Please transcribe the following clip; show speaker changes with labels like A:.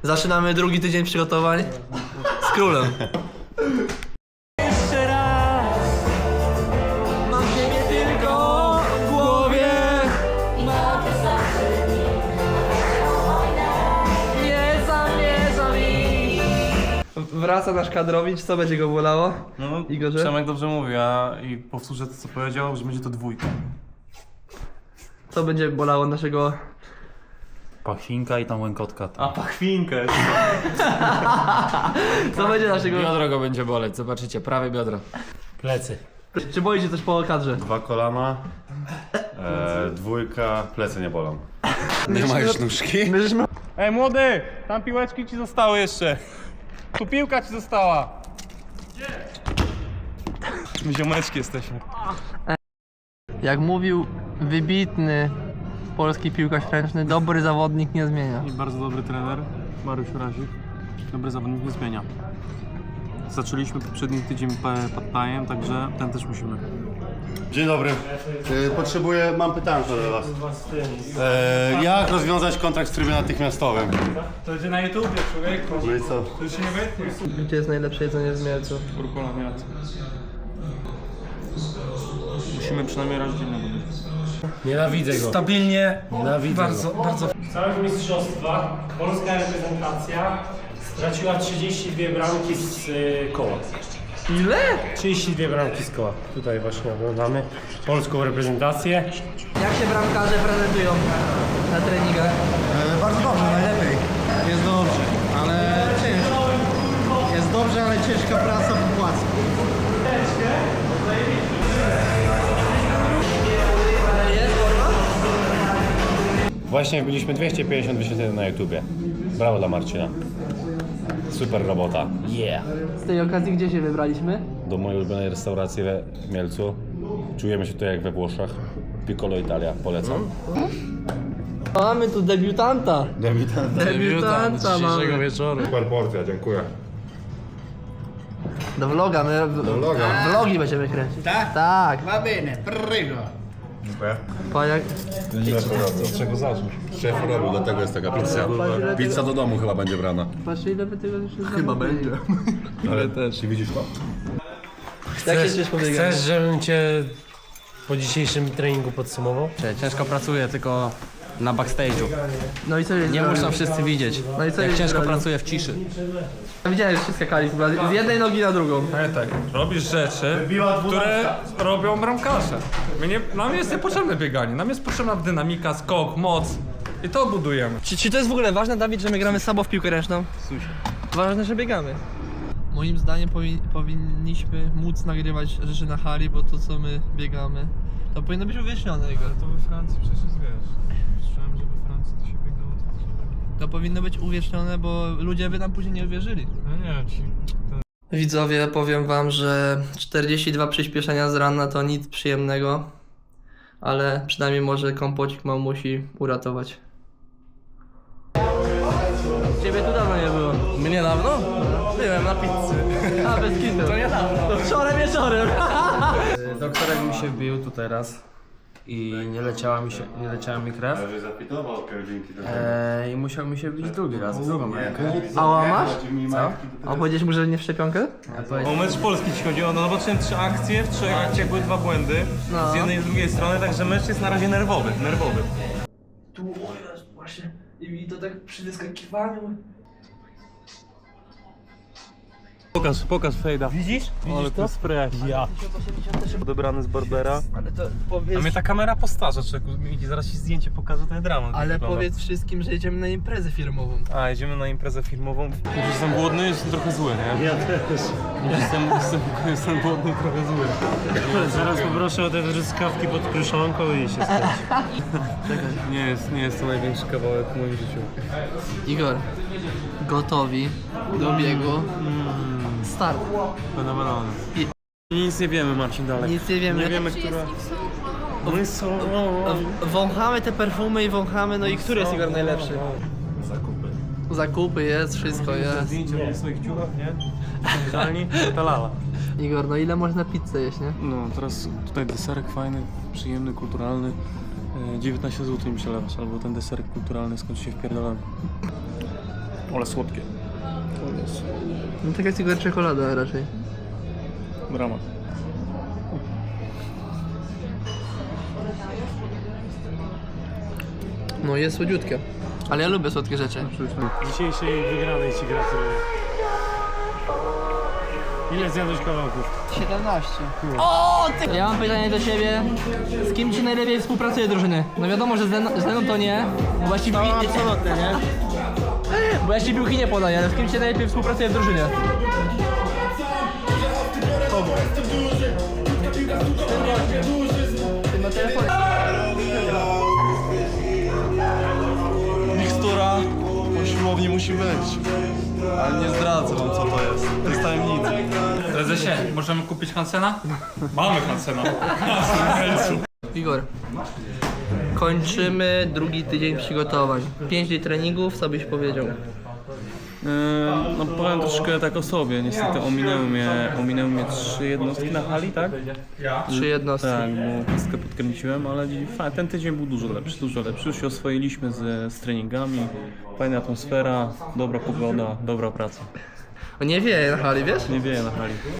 A: Zaczynamy drugi tydzień przygotowań z królem. Jeszcze raz mam ciebie tylko w głowie. Nie zamierzam iść. Wraca nasz kadrowicz, co będzie go bolało?
B: No,
A: Igorze?
B: Przemek dobrze mówi, i powtórzę to, co powiedział, że będzie to dwójka.
A: Co będzie bolało naszego...
C: Pachwinka i tam łękotka.
B: A pachwinkę!
A: Co będzie naszego...
D: Biodro go będzie boleć, zobaczycie, prawe biodro.
C: Plecy.
A: Czy boicie coś po kadrze?
E: 2 kolana, dwójka, plecy nie bolą. Nie ma już nóżki?
A: My żeśmy...
B: Ej młody! Tam piłeczki ci zostały jeszcze! Tu piłka ci została! Gdzie? My ziomeczki jesteśmy.
A: Jak mówił wybitny polski piłkarz ręczny, dobry zawodnik nie zmienia.
B: I bardzo dobry trener, Mariusz Razik. Dobry zawodnik nie zmienia. Zaczęliśmy poprzedni tydzień pad-thajem, także ten też musimy.
E: Dzień dobry. Mam pytanie do was. Jak rozwiązać kontrakt w trybie natychmiastowym?
B: To będzie na YouTubie, człowieku.
E: No i co?
B: To się nie wytnie.
A: Gdzie jest najlepsze jedzenie w Mielcu?
B: Kurkola miasto. Musimy przynajmniej rodzinę robić.
C: Nienawidzę go.
D: Stabilnie,
C: Nienawidzę
D: bardzo,
C: go.
D: bardzo.
F: W całych mistrzostwach polska reprezentacja straciła 32 bramki z koła.
A: Ile?
F: 32 bramki z koła. Tutaj właśnie oglądamy polską reprezentację.
A: Jak się bramkarze prezentują na treningach?
G: Bardzo dobrze, najlepiej. Jest dobrze, ale ciężko. Jest dobrze, ale ciężka praca po płacu.
E: Właśnie wbiliśmy 250 wyświetleń na YouTubie. Brawo dla Marcina. Super robota.
C: Yeah.
A: Z tej okazji gdzie się wybraliśmy?
E: Do mojej ulubionej restauracji w Mielcu. Czujemy się tutaj jak we Włoszech. Piccolo Italia, polecam.
A: Mamy tu debiutanta. Debiutanta mamy.
D: wieczoru.
E: Super porcja, dziękuję.
A: Do vloga, my vlogi będziemy kręcić.
G: Tak?
A: Tak.
G: Va bene, prego.
E: Dziękuję.
A: Pajak.
E: Od czego zacząć? Szef robił, dlatego jest taka pizza. Pizza do domu chyba będzie brana.
A: Patrz ile by tego jeszcze chyba będzie.
E: Ale też. Czy widzisz to?
A: Jak się czujesz po bieganiu?
F: Chcesz, żebym cię po dzisiejszym treningu podsumował?
D: Ciężko pracuję, tylko na backstage'u.
A: No i co jest?
D: Nie muszą wszyscy widzieć,
A: No i co
D: jak
A: jest
D: ciężko
A: zrobił?
D: pracuję w ciszy.
A: Widziałem, że się skakali z jednej nogi na drugą.
B: Tak, robisz rzeczy, które robią bramkarze. Nam jest niepotrzebne bieganie, nam jest potrzebna dynamika, skok, moc i to budujemy.
A: Czy to jest w ogóle ważne, Dawid, że my gramy słabo w piłkę ręczną? Ważne, że biegamy. Moim zdaniem powinniśmy móc nagrywać rzeczy na hali, bo to co my biegamy, to powinno być uwiecznione.
B: To we Francji przecież wiesz. Słyszałem, że we Francji to się biegało
A: To powinno być uwiecznione, bo ludzie by nam później nie uwierzyli.
B: No nie,
A: Widzowie, powiem wam, że 42 przyspieszenia z rana to nic przyjemnego, ale przynajmniej może kompocik mamusi uratować. Ciebie tu dawno nie było.
D: Mnie dawno? Byłem na pizzy.
A: A, bez kitu. To niedawno. To wczoraj wieczorem.
D: Doktorek mi się wbił tu teraz i nie leciała mi krew.
E: Zapitował dzięki
D: I musiał mi się wbić drugi raz, w drugą rękę.
A: A łamasz?
D: Co?
A: A powiedziałeś mu, że nie w szczepionkę?
B: O mecz Polski ci chodziło, no zobaczyłem 3 akcje, w 3 akcjach były 2 błędy.
A: No.
B: Z jednej i z drugiej strony, także mecz jest na razie nerwowy.
A: Tu, o jest, właśnie. I to tak przy wyskakiwaniu.
B: Pokaż fejda.
A: Widzisz?
B: Ale to spray. Ja.
A: 1080
B: Odebrany z Barbera.
A: Ale to
B: A
A: powiedz...
B: mnie ta kamera postarza, człowieku. Miki, zaraz ci zdjęcie pokażę, to jest dramat.
A: Ale
B: wygląda.
A: powiedz wszystkim, że jedziemy na imprezę firmową.
B: A, jedziemy na imprezę filmową. Już jestem głodny, jestem trochę zły, nie?
F: Ja też.
B: Jestem głodny, trochę zły.
F: Zaraz poproszę o te truskawki pod kruszonką i się skończy.
B: Nie jest to największy kawałek w moim życiu.
A: Igor, gotowi do biegu. Start.
B: Fenomenalny. Nic nie wiemy, Marcin, dalej.
A: Nic nie wiemy.
B: Nie wiemy, która...
F: My są...
A: Wąchamy te perfumy i wąchamy, no i który jest Igor najlepszy? Zakupy jest, wszystko jest.
B: Zdjęcie w swoich ciuchach, nie? Idealnie, ta lala.
A: Igor, no ile można pizzę jeść, nie?
B: No, teraz tutaj deserek fajny, przyjemny, kulturalny. 19 zł mi się lewasz, albo ten deserek kulturalny skończy się w pierdoleniu.
H: Ale słodkie.
A: No tak jak tylko czekolada raczej.
H: Brama.
A: No jest słodziutkie. Ale ja lubię słodkie rzeczy.
F: Dzisiejszej wygranej ci gratuluję. Ile zjadłeś kawałków?
G: 17.
A: O, ty... Ja mam pytanie do ciebie. Z kim ci najlepiej współpracuje drużyny? No wiadomo, że z Leną to nie. Bo ja ci
G: Absolutnie, nie?
A: Bo ja ci piłki nie podaję, ale z kim ci najlepiej współpracuje w drużynie?
I: Mikstura po siłowni musi być. Ale nie zdradzę wam co to jest. To jest tajemnica.
B: Prezesie, możemy kupić Hansena? Mamy Hansena.
A: Igor. Kończymy drugi tydzień przygotowań. 5 dni treningów, co byś powiedział?
H: No powiem troszkę tak o sobie. Niestety ominęły mnie 3 jednostki na hali, tak?
A: 3 jednostki.
H: Tak, bo kostkę podkręciłem, ale ten tydzień był dużo lepszy. Już się oswoiliśmy z treningami. Fajna atmosfera, dobra pogoda, dobra praca.
A: O, nie wieje na hali, wiesz?
H: Nie wieje na hali.